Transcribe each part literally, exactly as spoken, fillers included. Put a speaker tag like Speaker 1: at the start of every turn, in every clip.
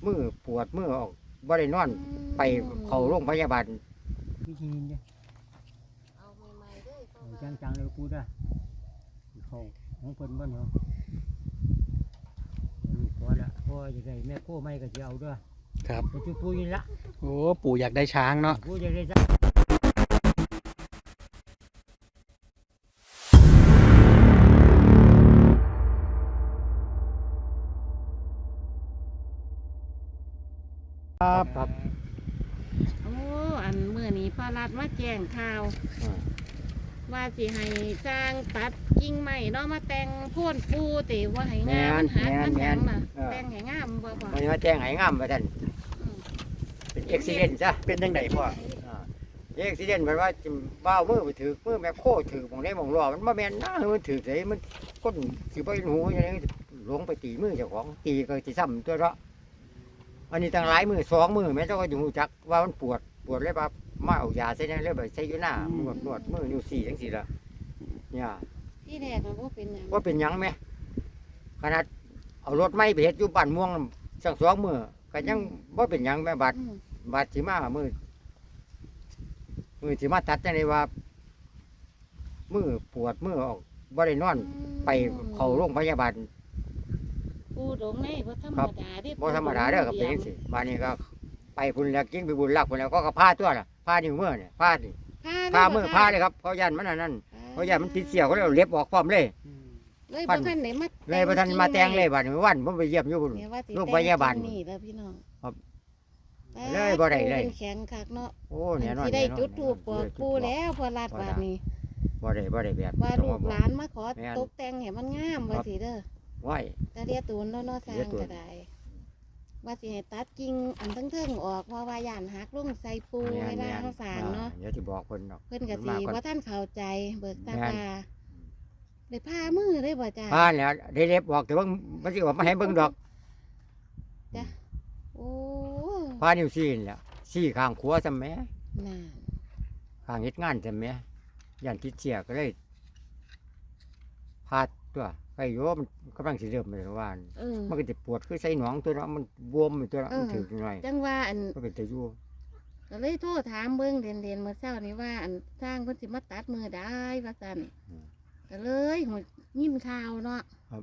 Speaker 1: มือปวดมือออกบ่ได้นอนไปเข้าโรงพยาบาลวิธีนี้เนี่ย
Speaker 2: เอาใหม่ๆเด้อเพราะว่า
Speaker 1: จังๆเลยกูได้เข้าของเพิ่นบ่เนาะลูกพอละพ่อจะได้แม่โคไม่ก็จะเอาด้วย
Speaker 3: ครับ
Speaker 1: ไปจุดปูนี่ละ
Speaker 3: โอ้ปู่อยากได้ช้างเนาะ
Speaker 1: ปูจะได้ครับครับ
Speaker 2: โอ้อันเมื่อนี้พระรัฐมาแจ้งข่าว ว่าสิให้สร้างตัดกิ่งไม้เนาะมาแต่งโพ่นปูติว่าให้งามมันหักมันหยังน่ะแต่งให้งามบ่บ่
Speaker 1: วันนี้มาแจ้งให้งามว่าท่านเป็นอุบิเหตุซะ
Speaker 3: เป็นยังไงพ่อ
Speaker 1: อุบิเหตุแปลว่าบ้ามือไปถือมือแม่โคถือมองได้มองรอมันบ่แม่นนะมันถือไสมันก้นสิบ่หูอย่างนี้หลงไปตีมือเจ้าของตีก็สิซ้ำตัวเนาะอันนี้ตั้งหลายมือสองมือแม่เจ้าก็อยู่รู้จักว่ามันปวดปวดเลยว่ามาเอายาใส่ยังเลยไปใส่อยู่หน้านวดนวดมือนิ้วสี่จังซี่ล่ะเนี่ย
Speaker 2: ที่แรกมันบ่เป็นหยัง
Speaker 1: ว่าเป็นหยังไหมขนาดเอารถไม้ไปเฮ็ดอยู่บ้านม่วงสักสองมือก็ยังว่าเป็นหยังแม่บาดบาดสิมามือมือสิมาตัดจังได๋ว่ามือปวดมือออกบ่ได้นอนไปเข้าโรงพยาบาล
Speaker 2: ปูดงในบ่ธรรมดาเด้
Speaker 1: บ่ธรรมดาเด้อครับเป็นจังซี่บ้านนี้ก็ไปพุ่นแล้วกินไปบุญรักพุ่นแล้วก็ก็พาตัวน่ะพานิ้วมือเนี่ยพานี่พามือพาเลยครับเพราะยันมันอันนั้นเพราะยันมันติดเสี้ยวก็เลยเล็บออกพร้อมเลย
Speaker 2: เลยบ่ทันได้มา
Speaker 1: เลยบ่ทันมาแต่งเลยบัดนี้วันผมไปเยี่ยมอยู่พุ่นโรงพยาบาล
Speaker 2: นี่แล้วพี่น้อง
Speaker 1: ครับเลยบ่ได้เลย
Speaker 2: เป็นแข็งคักเนาะ
Speaker 1: โอ้แน่นอน
Speaker 2: สิได้จุดธูปบอกปูแล้วพอรัดบาดนี้
Speaker 1: บ่ได้บ่ได้แบบ
Speaker 2: ว่าลูกหลานมาขอตกแต่งให้มันงามว่าสิเด้อ
Speaker 1: ไหว
Speaker 2: แต่เรียตูนแล้วเนาะสร้างก็ได้ว่าสิให้ตัดกิ่งอันทั้งๆออกเพราะว่าย่านหักลงใส่ปูเวลาเขาสร้างเนาะ
Speaker 1: เดี๋ยวสิบอกเพิ่นดอก
Speaker 2: เพิ่นก็สิว่าท่านเข้าใจเบิกตาตาได้ผ้ามือได้บ่จ้า
Speaker 1: พาแล้วได้เล็บบอกแต่ว่ามันสิออกมาให้เบิ่งดอก
Speaker 2: โอ้
Speaker 1: พานิ้วซี่นี่แหละซี่ข้างขวาซะแหม
Speaker 2: น่ะ
Speaker 1: ข้างเฮ็ดงานซะแหมย่านติดเสียก็เลยพาตัวไปโยมกำลังสิเริ่มเลยว่า
Speaker 2: เออ
Speaker 1: มันก็จะปวดคือใส่หนองตัวเนาะมันบวมตัวเนาะมันถึกหน่อย
Speaker 2: จังว่าอัน
Speaker 1: ก็เป็นตะยู่
Speaker 2: ก็เลยโทรถามเบิ่งเด่นๆเมื่อเช้านี้ว่าอันสร้างเพิ่นสิมาตัดมือได้ว่าซั่นก็เลยหัวยิ้มข่าวเนาะ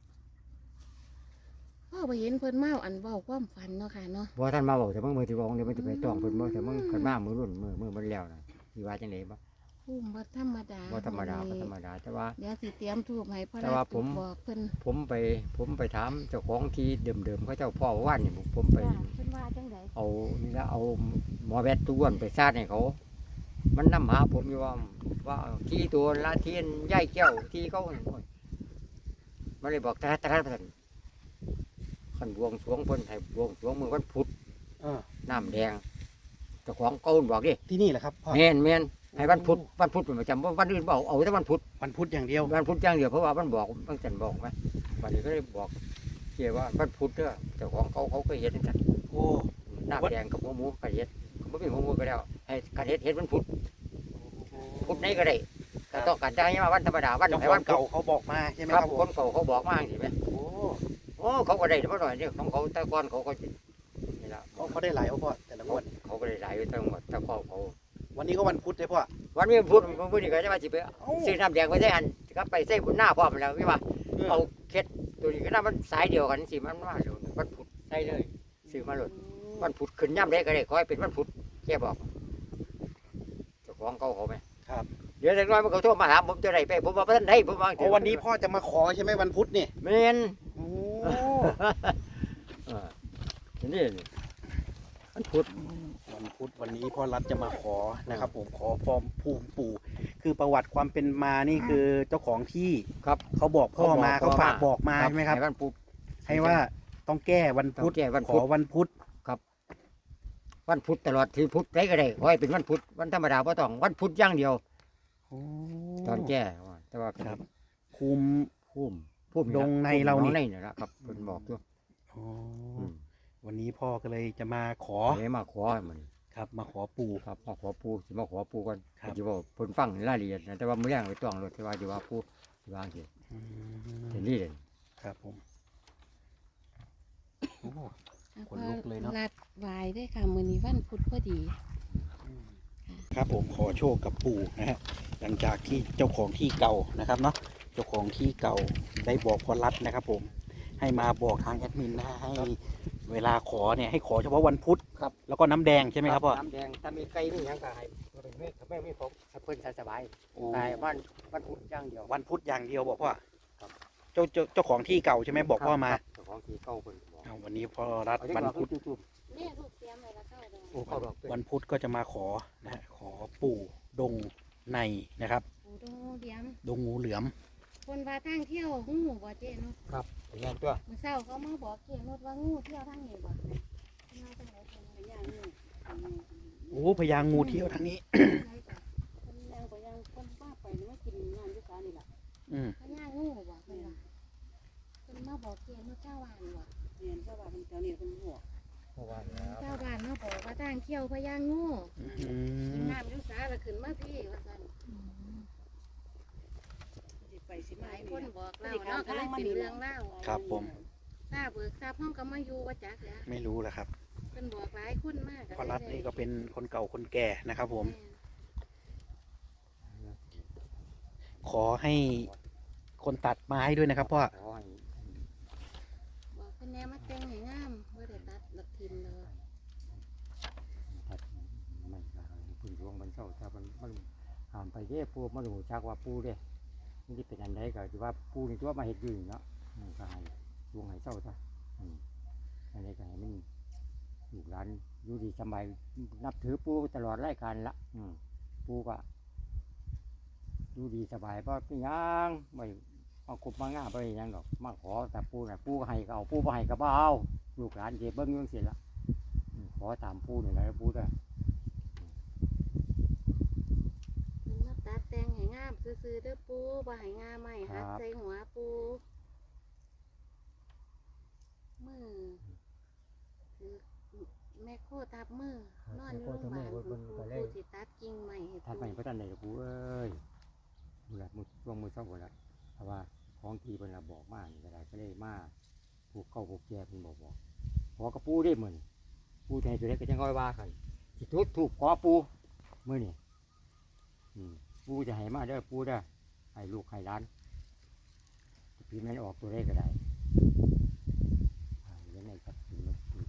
Speaker 2: พ่อไปเห็นเพิ่นเมาอันเว้าความฝันเนาะค่ะเนาะ
Speaker 1: บ่ท่านมาบอกแต่มึงมือที่บอกเดี๋ยวมันจะไปต้องเพิ่นบ่แต่มึงขึ้นมามือรุ่นมือมือมันแล้วน่ะสิว่าจังได๋บ่
Speaker 2: ภูมิบ่ธรรมดา
Speaker 1: บ่ธรรมดาบ่ธรรมดาแต่ว่า
Speaker 2: เดี๋ยวสิเตรียมทูบให้พ่อ
Speaker 1: แต่ว่าผม
Speaker 2: บอกเพิ่น
Speaker 1: ผมไปผมไปถามเจ้าของที่เดิมๆเขาเจ้าพ่อว่านนี่ผมไป
Speaker 2: เพิ่นว่าจังได๋
Speaker 1: เอานี่ละเอาหมอแวดตัวอ้วนไปซาดให้เขา มันนำหาผมอยู่ว่าว่าที่ตัวละเทียนย่ายแก้วที่เขามันเลยบอกตะตะตะขันบวงสรวงเพิ่นให้บวงสรวงมือวันพุธ
Speaker 3: เออ
Speaker 1: น้ำแดงเจ้าของเก่าบอกดิ
Speaker 3: ที่นี่แหละครับพ่อ
Speaker 1: แม่นแม่นให้วันพุธวันพุธเป็นประจำวันอื่นบอกเอาแต่วันพุธ
Speaker 3: วันพุธอย่างเดียว
Speaker 1: วันพุธอย่างเดียวเพราะว่ามันบอกมันจันบอกไหมวันนี้ก็เลยบอกเกี่ยว่าวันพุธเด้อเจ้าของเขาเขาก็เห็นกัน
Speaker 3: โอ้
Speaker 1: น้ำแดงกับหัวหมูกระเฮ็ดเขาไม่มีหัวหมูก็แล้วให้กระเฮ็ดเฮ็ดวันพุธพุธไหนก็ได้แต่ต้องการจะให้มาวันธรรมดาวัน
Speaker 3: เจ้า
Speaker 1: ไหน
Speaker 3: ขอ
Speaker 1: วั
Speaker 3: ง
Speaker 1: น
Speaker 3: เก่าเขาบอกมาใช่ไหม
Speaker 1: ค
Speaker 3: ค
Speaker 1: รั
Speaker 3: รั
Speaker 1: บบ
Speaker 3: ผม
Speaker 1: คนเก่าเขาบอกมาสิไหม
Speaker 3: โอ้
Speaker 1: โอ้เขาก็ได้มาหน่อยนี่ของเขาแต่ก่อนเขาก็นี่ละ
Speaker 3: เขาเขาได้หลายเอาพ่อแต่ละงวด
Speaker 1: เขาก็ได้หลายอยู่ตั้งหมดแต่ก่อนเขา
Speaker 3: วันนี้ก็วันพุธเลยพ่อ
Speaker 1: วันนี้พุธวันพุธนี่ก็จะมาสิไปซื้อน้ำแดงไปใส่อันก็ไปใส่บนหน้าพ่อมันแล้วพี่ว่าเอาเค็ดตัวนี้ก็น่ามันสายเดียวกันสิมันมาเดี๋ยววันพุธได้เลยซื้อมาหลดวันพุธขึ้นย่ำได้ก็ได้ขอให้เป็นวันพุธแกบอกเจ้าของเขาเขาไหม
Speaker 3: ครับ
Speaker 1: เดี๋ยวแต่น้อยมันเขาโทรมาถามผมจะได้ไปผมว่าท่านได้ผมว่า
Speaker 3: โอ้วันนี้พ่อจะมาขอใช่ไหมวันพุธนี่
Speaker 1: เมน
Speaker 3: โอ้
Speaker 1: นี่มันพุธ
Speaker 3: วันพุธวันนี้พ่อรัฐจะมาขอนะครับ ผมขอฟอร์มภูมิปู่คือประวัติความเป็นมานี่คือเจ้าของที่
Speaker 1: ครับ
Speaker 3: เขาบอกพ่อมา
Speaker 1: เขา
Speaker 3: เขา
Speaker 1: บอก
Speaker 3: ฝากบอกมาใช่ไหมครับ
Speaker 1: ให้วันพุธ
Speaker 3: ให้ว่าต้องแก้วันพุธ
Speaker 1: ต้องแก้วัน
Speaker 3: ข
Speaker 1: พุ
Speaker 3: อ
Speaker 1: ธ
Speaker 3: วันพุธ
Speaker 1: วันพุธตลอดที่พุธได้ก็ได้ขอให้เป็นวันพุธวันธรรมดาไ่ต้องวันพุธอย่างเดียว
Speaker 3: โอ้
Speaker 1: ตอนแก้แต่ว่า
Speaker 3: ครับคุม
Speaker 1: พุ่มพุ่ม
Speaker 3: ดงในเรานี่
Speaker 1: ดงในนี่แหละครับคนบอกอยู่
Speaker 3: โอ้วันนี้พ่อก็เลยจะมาขอ
Speaker 1: เฮ้มาขอมัน
Speaker 3: ครับมาขอปู่
Speaker 1: ครับมาขอปูสิมาขอปูกัน
Speaker 3: ครับ
Speaker 1: จะบอกเพิ่นฟังรายละเอียดนะแต่ว่ามื้อแรงไปต้องรถที่ว่าจะว่าปูที่ว่าสิ
Speaker 3: อืม
Speaker 1: เห็นนี่เลย
Speaker 3: ครับผมโอ้
Speaker 2: ส
Speaker 3: ขนลุกเลยเนาะ
Speaker 2: รัดวายได้ค่ะมื้อนี้วันพุธพอดี
Speaker 3: ครับผมขอโชคกับปู่นะฮะหลังจากที่เจ้าของที่เก่านะครับเนาะเจ้าของที่เก่าได้บอกพอรัดนะครับผมให้มาบอกทางแอดมินนะให้เวลาขอเนี่ยให้ขอเฉพาะวันพุธ
Speaker 1: ครับ
Speaker 3: แล้วก็น้ำแดงใช่ไหมครับพ่อ
Speaker 1: น้ำแดงถ้ามีไก่มีหยังก็ให้บ่เป็นเมฆแม่ไม่พกสะเพิ่นสบาย
Speaker 3: โอ้
Speaker 1: ๆแต่บ้านบ้านพุทธอย่างเดียว
Speaker 3: วันพุธอย่างเดียวบอกพ่อ
Speaker 1: ครับ
Speaker 3: เจ้าเจ้าเจ้าของที่เก่าใช่ไหมบอกพ่อมา
Speaker 1: ครับเจ้าของที่เก่าเพิ่นบอก
Speaker 3: เอาวันนี้พ่อรัด
Speaker 1: เอาที่
Speaker 3: วัน
Speaker 1: ว่า
Speaker 3: พุธ
Speaker 1: จุ๊บ
Speaker 2: เนี่ยลูกเตรียมไว้แล้วเข้าดอก
Speaker 1: ๆโอ้เขาบอกเป็น
Speaker 3: วันพุธก็จะมาขอนะฮะขอปู่ดงในนะครับ
Speaker 2: ปูดงเตรียม
Speaker 3: ดงงูเหลือม
Speaker 2: คนว่าทางเที่ยวงูบ่เจนุช
Speaker 1: ครับเป็นไงตัว
Speaker 2: มื้อเช้าเขามาบอกเจนุชว่างูเที่ยวทางนี้บ่มาทางไหนเพิ่นไปย่างงู
Speaker 3: โอ้พญางูเที่ยวทางนี้
Speaker 2: คนย่างก็ย่างคนว่าไปนี่มากินงานอยู่ศาลนี่ล่ะ
Speaker 3: อืม
Speaker 2: พญางูบ่เพิ่นว่าเพิ่นมาบอกเจนุชเจ้าบ้านบ่เรียนเจ้าบ้านแถวนี้เพิ่นบอก
Speaker 1: เมื่อวานแล้ว
Speaker 2: เจ้าบ้านมาบอกว่าทางเที่ยวพญางู
Speaker 3: อื
Speaker 2: กิน
Speaker 3: ม
Speaker 2: น้ำอยู่ศาลแล้วขึ้นมาพี่ว่าซั่น
Speaker 4: ไปสิ
Speaker 2: ห
Speaker 4: มา
Speaker 2: ลาย
Speaker 4: ค
Speaker 2: คน
Speaker 4: น
Speaker 2: บอกเล่าเนาะก็เลยเป็นเรื่องเล่า
Speaker 3: ครับผม
Speaker 2: ทราบเบิกทราบห้องก็มาอยู่ว่าจักแล้ว
Speaker 3: ไม่รู้แหละครับ
Speaker 2: เพิ่นบอกหลายคนมาก
Speaker 3: พ่อรัฐนี่ก็เป็นคนเก่าคนแก่นะครับผม ขอให้คนตัดไม้ด้วยนะครับพ่อ
Speaker 1: ขอให้
Speaker 2: บอกเพิ่นแนมาแต่งให้งามบ่ได้ตัดดอกทิมเลย
Speaker 1: ตัดไม่ก็ให้พึ่งดวงมันเศร้าถ้ามันมันผ่านไปเด้ปูมันรู้จักว่าปูเด้นี่ที่เป็นอันใดก็คือว่าปูนี่ตัวมาเฮ็ดอยู่นี่เนาะอืมก็ให้ดวงให้เศร้าซะอืมอันนี้ก็ให้มันลูกหลานอยู่ดีสบายนับถือปูตลอดรายการละอืมปูก็อยู่ดีสบายบ่เป็นหยังไม่เอากบมาง่าบ่ได้หยังดอกมาขอแต่ปูน่ะปูก็ให้ก็เอาปูบ่ให้ก็บ่เอาลูกหลานสิเบิ่งอยู่จังซี่ล่ะอืมขอตามปูนี่แหละปูเด้อ
Speaker 2: เพิ่นมาตัดแต่งให้งามซื่อๆเด้อปูบ่ให้งามใหม่หัดใส่หัวปูมือคือแม่โคทับมือนอนอยู่โรงพยาบาลปูปูสิตัดกิ่งใหม่ให้
Speaker 1: ทัดไป
Speaker 2: ปู
Speaker 1: พระตันเลยปูเอ้ยมือละมือช่วงมือช่องคนละเพราะว่าของทีเป็นละบอกมากนี่ก็ได้ก็เลยมาผูกเข้าผูกแก่เป็นบอกบอกขอกระปูได้เหมือนปูใจตัวเล็กก็ยังง่อยว่ากันสิทุบถูกขอปูมือนี่อืมปูจะให้มาเด้อปูเด้อให้ลูกให้ร้านพี่มันออกตัวเลขก็ได้อ่าเลี้ยงในสัตว์มันปู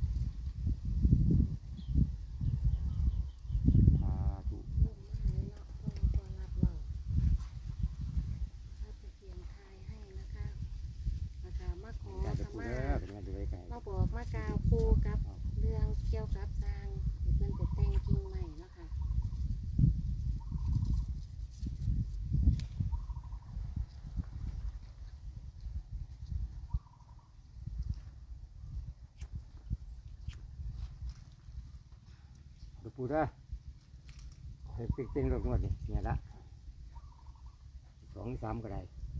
Speaker 1: สาธุ
Speaker 2: ลงมาเลยเนาะพ่อพ่อรับเว้าถ้าจะเสียงทายให้นะคะนะคะมาขอ
Speaker 1: อยากจะ
Speaker 2: ข
Speaker 1: ปู
Speaker 2: มา
Speaker 1: เด้อเป็นไงดูเลขไง
Speaker 2: มาบอกมากล่าวปูกับเรื่องเกี่ยวกับสร้างที่เพิ่นจะแต่งกิ่งใหม่เนาะค่ะ
Speaker 1: ดูปูเด้อให้ปิ๊กปิ๊งรถงวดนี่เนี่ยละสองสามก็ได้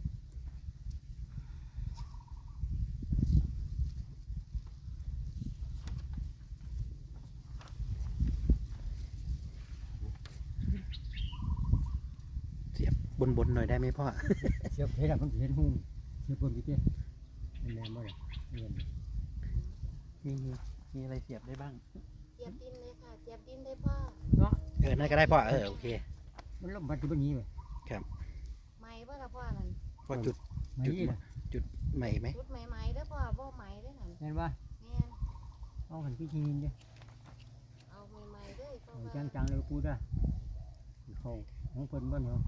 Speaker 3: เสียบบนบนๆหน่อยได้ไหมพ่อ
Speaker 1: เสียบเห็นอะมันเห็นหุ้มเสียบบนพี่เจ้เป็นแม่บ่ได้เงิน
Speaker 3: มีมีอะไรเสียบได้บ้าง
Speaker 2: เจียบดินเลยค่ะเจียบดินได้พ่อ
Speaker 1: เนาะ
Speaker 3: เออนั่นก็ได้พ่อเออโอเค
Speaker 1: มันลมพัดที่บนนี้เลย
Speaker 2: ไหมบ่ล่ะพ่อนั่น
Speaker 3: พ่อจุด
Speaker 1: ไม่
Speaker 3: จุด
Speaker 1: ยี่นะ
Speaker 3: จุดใหม่ไหม
Speaker 2: ชุดไหมๆเด้อพ่อบ่ไหมเด้อนั่น
Speaker 1: เห็นว่า
Speaker 2: แม่น
Speaker 1: เอาหันพี่ชีนเด้
Speaker 2: เอาไหมๆเด้อเพราะ
Speaker 1: เอา
Speaker 2: ว่า
Speaker 1: จังจังๆเลยปูเด้อเขาของเพิ่นบ้านเขา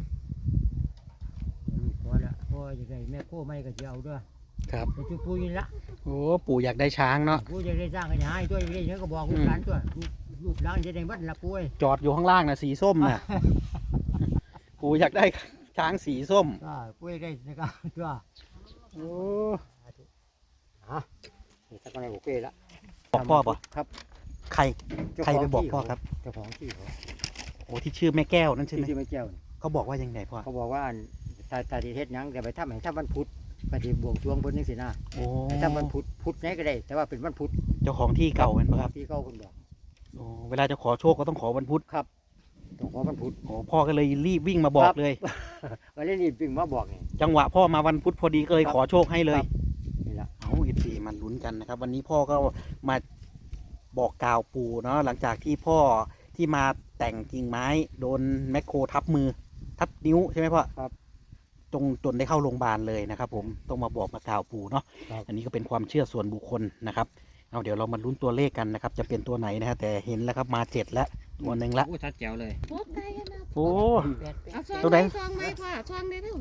Speaker 1: เดี๋ยวนี้พอละพอจะได้แม่โก้ไม่ก็จะเอาด้วย
Speaker 3: ครับ
Speaker 1: ไปจุดปูนี่ละ
Speaker 3: โอ้ปู่อยากได้ช้างเนาะ
Speaker 1: ปูจะได้สร้างกันให้ตัวจะได้เยอะก็บอกลูกหลานตัวลูกลูกหลานจะได้บัดละปูเอ้ย
Speaker 3: จอดอยู่ข้างล่างนะสีส้มน่ะ ปู่อยากได้ช้างสีส้ม
Speaker 1: ก็ปูได้นะครับตัว
Speaker 3: โอ้
Speaker 1: ฮะนี่สักคนไหนโอเคละ
Speaker 3: บอกพ่อป่ะ
Speaker 1: ครับ
Speaker 3: ใคร
Speaker 1: เจ้า
Speaker 3: ใคร
Speaker 1: ขง
Speaker 3: ไปบอก
Speaker 1: ที่
Speaker 3: พ่อครับ
Speaker 1: เจ้าของที่เขา
Speaker 3: โอ้ที่ชื่อแม่แก้วนั่นใช่ไหม
Speaker 1: ที่ที่ไม่แก้วนี่
Speaker 3: เขาบอกว่ายังไงพ่อ
Speaker 1: เขาบอกว่าตาตาดีเทศหยังแต่ไปทำให้ทำวันพุธก็ที่บวงสรวงเพิ่นจังซี่นะ
Speaker 3: โอ้
Speaker 1: ให้ทำวันพุธพุธไหนก็ได้ แต่ว่าเป็นวันพุธ
Speaker 3: เจ้าของที่เก่าเป็นปะครับ
Speaker 1: ที่เขาคนบอก
Speaker 3: โอ้เวลาจะขอโชคก็ต้องขอวันพุธ
Speaker 1: ครับต้องขอวันพุธ
Speaker 3: โอ้พ่อก็เลยรีบวิ่งมาบอกเลย
Speaker 1: ก็เลยรีบวิ่งมาบอกนี่
Speaker 3: จังหวะพ่อมาวันพุธพอดีก็เลยขอโชคให้เลย
Speaker 1: นี่ละ
Speaker 3: เอาอีกสี่มันลุ้นกันนะครับ วันนี้พ่อก็มาบอกกล่าวปู่เนาะหลังจากที่พ่อที่มาแต่งกิ่งไม้โดนแมคโครทับมือทับนิ้วใช่ไหมพ่อ
Speaker 1: ครับ
Speaker 3: จงจนได้เข้าโรงพยาบาลเลยนะครับ ผมต้องมาบอกมากล่าวปู่เนาะ
Speaker 1: ครับ
Speaker 3: อันนี้ก็เป็นความเชื่อส่วนบุคคลนะครับเอาเดี๋ยวเรามาลุ้นตัวเลขกันนะครับ จะเป็นตัวไหนนะฮะแต่เห็นแล้วครับมาเจ็ดแล้วตัวหนึ่งละ
Speaker 4: โอ้ชัดแจ๋วเลย
Speaker 2: โอ้ไกลกันนะ
Speaker 3: โอ้
Speaker 2: เอาช่อง
Speaker 3: ตัวไหน
Speaker 2: ช่องไหมพ่อช่องได้เร็ว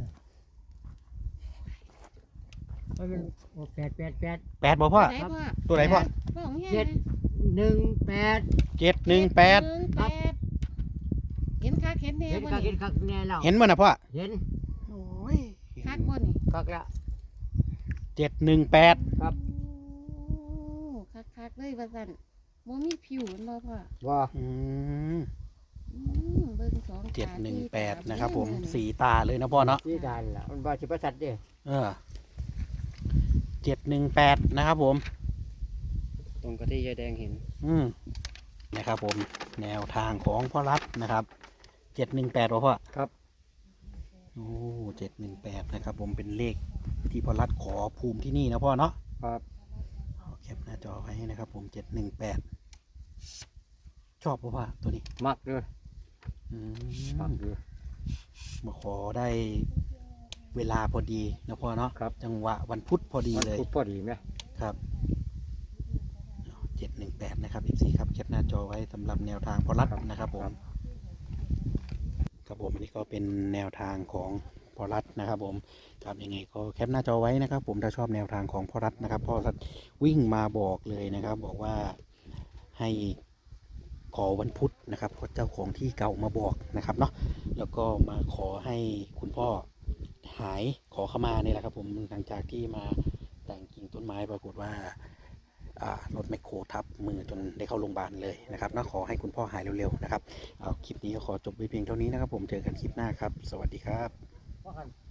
Speaker 1: มันเป็นแปดแปดแปด
Speaker 3: แปดบ่พ่อ
Speaker 2: ไหนพ่อ
Speaker 3: ตัวไหนพ่อ
Speaker 2: พ่อของเฮีย
Speaker 1: เจ็ด
Speaker 2: นะ
Speaker 1: หนึ่งแปด
Speaker 3: เจ็ดหนึ่งแปด
Speaker 2: หนึ่งแปดเห็นคักเห็นแน่
Speaker 1: เห็น
Speaker 2: บ่
Speaker 1: คักเห็
Speaker 2: นี่
Speaker 1: นคักแน่แล้ว
Speaker 3: เห็นมั้ยนะพ่อ
Speaker 1: เห็น
Speaker 3: โอ้ย
Speaker 2: คักบ่นี่
Speaker 1: คักแล้ว
Speaker 3: เจ็ดหนึ่งแปด
Speaker 1: ครับ
Speaker 2: โอ้คักคักๆเลยว่าซั่นบ่มีผิวแม่นบ่พ่อ
Speaker 1: ว่า
Speaker 3: อืม
Speaker 2: อืมเบิ่งสองตา
Speaker 3: เจ็ดหนึ่งแปด
Speaker 2: สี่ตา
Speaker 3: นะครับผม
Speaker 2: เบิ่ง
Speaker 3: สีตาเลยนะพ่อเนาะ
Speaker 1: ที่ดานล่ะมันว่าสิประสัตเด้
Speaker 3: เออเจ็ดหนึ่งแปดนะครับผม
Speaker 4: ตรงกับที่ยายแดงเห็น
Speaker 3: อืมนะครับผมแนวทางของพ่อรัฐนะครับเจ็ดหนึ่งแปดพ่อ
Speaker 1: ครับ
Speaker 3: โอ้เจ็ดหนึ่งแปดนะครับผมเป็นเลขที่พ่อรัฐขอภูมิที่นี่นะพ่อเนาะ
Speaker 1: ครับ
Speaker 3: เอาแคปหน้าจอไว้นะครับผมเจ็ดหนึ่งแปดชอบพ่อตัวนี้
Speaker 1: มักเลย
Speaker 3: อื
Speaker 1: มั
Speaker 3: ม
Speaker 1: กเลย
Speaker 3: มาขอได้เวลาพอดีนะพ่อเนาะ
Speaker 1: ครับ
Speaker 3: จังหวะวันพุธพอดี
Speaker 1: มัน
Speaker 3: เลย
Speaker 1: พูดพอดีไหม
Speaker 3: ครับเจ็ดหนึ่งแปดนะครับอีกสี่ครับแคปหน้าจอไว้สำหรับแนวทางพอรัฐนะครับผมครับผมอันนี้ก็เป็นแนวทางของพอรัฐนะครับผมครับยังไงก็แคปหน้าจอไว้นะครับ ผมถ้าชอบแนวทางของพอรัฐนะครับพอรัฐวิ่งมาบอกเลยนะครับ บอกว่าให้ขอวันพุธนะครับเพราะเจ้าของที่เก่ามาบอกนะครับเนาะแล้วก็มาขอให้คุณพ่อหายขอเข้ามานี่แหละครับผมหลังจากที่มาแต่งกิ่งต้นไม้ปรากฏว่า อ่ารถแมคโครทับมือจนได้เข้าโรงพยาบาลเลยนะครับนะขอให้คุณพ่อหายเร็วๆนะครับเอาคลิปนี้ก็ขอจบไว้เพียงเท่านี้นะครับผมเจอกันคลิปหน้าครับ สวัสดีครับ
Speaker 1: ว่ากัน